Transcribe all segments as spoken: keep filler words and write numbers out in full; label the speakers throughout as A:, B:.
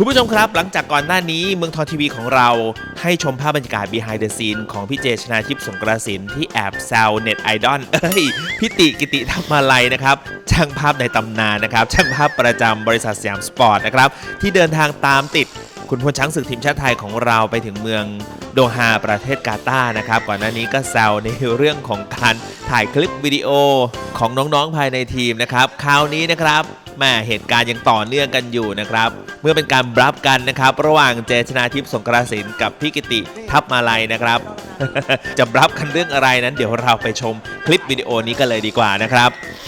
A: คุณผู้ชมครับหลังจากก่อนหน้านี้เมืองทองทีวีของเราให้ชมภาพบรรยากาศ behind the scene ของพี่เจชนาทิพย์สงกรสินที่แอบแซวเน็ตไอดอลเอ้ยพี่ติกิติธรรมาลัยนะครับช่างภาพในตำนานนะครับช่างภาพประจำบริษัทสยามสปอร์ตนะครับที่เดินทางตามติดคุณพลช้างศึกทีมชาติไทยของเราไปถึงเมืองโดฮาประเทศกาตาร์นะครับก่อนหน้านี้ก็แซวในเรื่องของการถ่ายคลิปวิดีโอของน้องๆภายในทีมนะครับคราวนี้นะครับแม่เหตุการณ์ยังต่อเนื่องกันอยู่นะครับเมื่อเป็นการบลัฟกันนะครับระหว่างเจชนาทิพย์สงกรสินกับพี่กิติทัพมาลัยนะครับ จะบลัฟกันเรื่องอะไรนั้นเดี๋ยวเราไปชมคลิปวิดีโอนี้กันเลยดีกว่านะครับ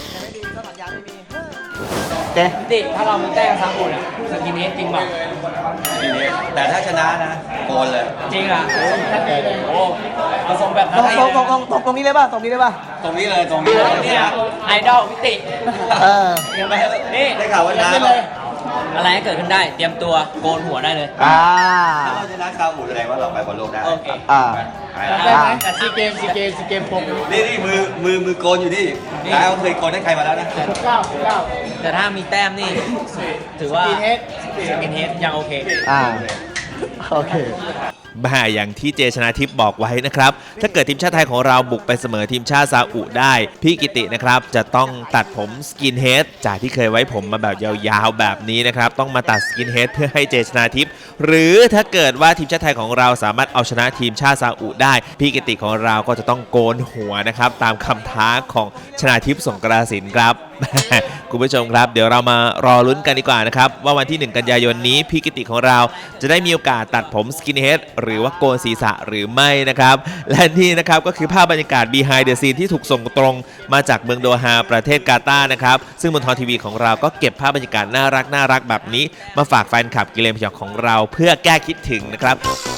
B: เจ๊ติถ้าเรามีแต้มซ้ำอุ่นอ่ะสกินเฮดจริงเปล่า
C: แต่ถ้าชนะนะโกนเลย
B: จริงอ่ะโอ้เอาทรงแบบ
D: ตรงตรงตรงตรงตรงตรงนี้เลยป่ะตรงนี้เลยป่ะ
C: ตรงนี้เลยตรงนี้เลย
B: เนี่ยไอดอลพิติ
D: เออ
B: ยังไงนี่
C: ได้ข่าวว่าน้ำ
B: อะไรก็เกิดขึ้นได้เตรียมตัวโกนหัวได้เลย
D: อ่า
C: ถ้าเราชนะซาอุแสดงว่าเราไปบอลโลกได้
B: โอเค
D: อ่า
B: ได้ไหมแต่ซีเกมซีเกมซีเกมปก
C: นี่นี่มือมือมือโกนอยู่นี่ตาเขาเคยโกนให้ใครมาแล้วนะ
D: เก้าเก้า
B: แต่ถ้ามีแต้มนี่ถือว่าสกินเฮดสกินเฮดยังโอเค
D: อ่าโอเค
A: มาอย่างที่เจชนาทิพย์บอกไว้นะครับถ้าเกิดทีมชาติไทยของเราบุกไปเสมอทีมชาติซาอุได้พี่กิตินะครับจะต้องตัดผมสกินเฮดจากที่เคยไว้ผมมาแบบยาวๆแบบนี้นะครับต้องมาตัดสกินเฮดเพื่อให้เจชนาทิพย์หรือถ้าเกิดว่าทีมชาติไทยของเราสามารถเอาชนะทีมชาติซาอุได้พี่กิติของเราก็จะต้องโกนหัวนะครับตามคำท้าของชนาทิพย์สงกรสินครับ คุณผู้ชมครับเดี๋ยวเรามารอลุ้นกันดีกว่านะครับว่าวันที่หนึ่งกันยายนนี้พี่กิติของเราจะได้มีโอกาสตัดผมสกินเฮดหรือว่าโกนศีรษะหรือไม่นะครับและนี่นะครับก็คือภาพบรรยากาศ behind the scene ที่ถูกส่งตรงมาจากเมืองโดฮาประเทศกาตาร์นะครับซึ่งบนทองทีวีของเราก็เก็บภาพบรรยากาศน่ารักน่ารักแบบนี้มาฝากแฟนคลับกิเลนพยองของเราเพื่อแก้คิดถึงนะครับ